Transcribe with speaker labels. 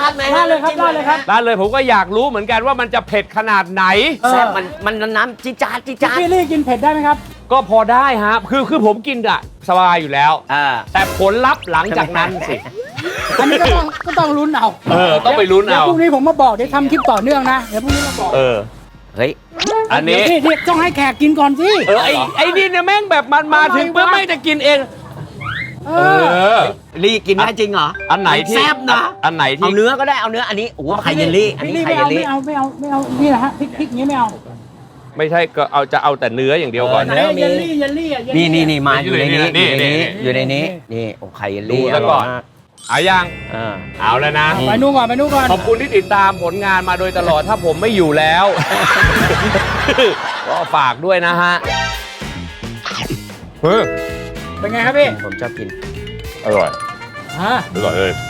Speaker 1: ดไหม
Speaker 2: ราดเลยครับราดเลยครับ
Speaker 3: ร้านเลยผมก็อยากรู้เหมือนกันว่ามันจะเผ็ดขนาดไหน
Speaker 1: แซ่บมันน้ำจี๊ดจ๊าดจี๊ดจ๊าด
Speaker 2: พี่ลี่กินเผ็ดได้ไหมครับ
Speaker 3: ก็พอได้ฮะคือผมกินอะสบายอยู่แล้ว แต่ผลลัพธ์หลังจากนั้นสิ
Speaker 2: อันนี้ก็ต้องลุ้นเอา
Speaker 3: ต้องไปลุ้นเอา
Speaker 2: ดี๋ยวพรุ่งนี้ผมมาบอกเดี๋ยวทำคลิปต่อเนื่องนะเดี๋ยวพรุ่งนี้มาบอก
Speaker 1: เฮ้ย
Speaker 3: อันนี้
Speaker 2: เดี๋ยวพี่ต้องให้แขกกินก่อนสิ
Speaker 3: ไอ้นี่เนี่ยแม่งแบบมันมาถึงเพื่อไม่จะกินเอง
Speaker 1: ลี่กินได้จริงเหรอ
Speaker 3: อันไหนที่
Speaker 1: แซ่บนะ
Speaker 3: อันไหนที่
Speaker 1: เอาเนื้อก็ได้เอาเนื้ออันนี้โอ้โหไข่เยลลี่อันนี้
Speaker 2: พี่
Speaker 1: ไข่
Speaker 2: ไม่
Speaker 1: เย
Speaker 2: เอา
Speaker 1: ลลี่
Speaker 2: ไม่เอานี่แหละฮะพริกอย่างนี้ไม่เอา
Speaker 3: ไม่ใช่ก็จะเอาแต่เนื้ออย่างเดียวก่อน
Speaker 1: เออ
Speaker 2: ไหนเยลลี่เยลลี่อ่ะ
Speaker 1: นี่มาอยู่ในนี้
Speaker 3: นี่
Speaker 1: อยู่ในนี้นี่โอ้ไข่เยลลี่
Speaker 3: ดูแล้วก่อน เอายังเอาแล้วนะ
Speaker 2: ไปนู่นก่อนไปนู่นก่อน
Speaker 3: ขอบคุณที่ติดตามผลงานมาโดยตลอดถ้าผมไม่อยู่แล้ว ก็ฝากด้วยนะฮะ
Speaker 2: เป็นไงครับพี่
Speaker 1: ผมชอบกิน
Speaker 3: อร่อย
Speaker 2: อ่า
Speaker 3: อร่อยเลย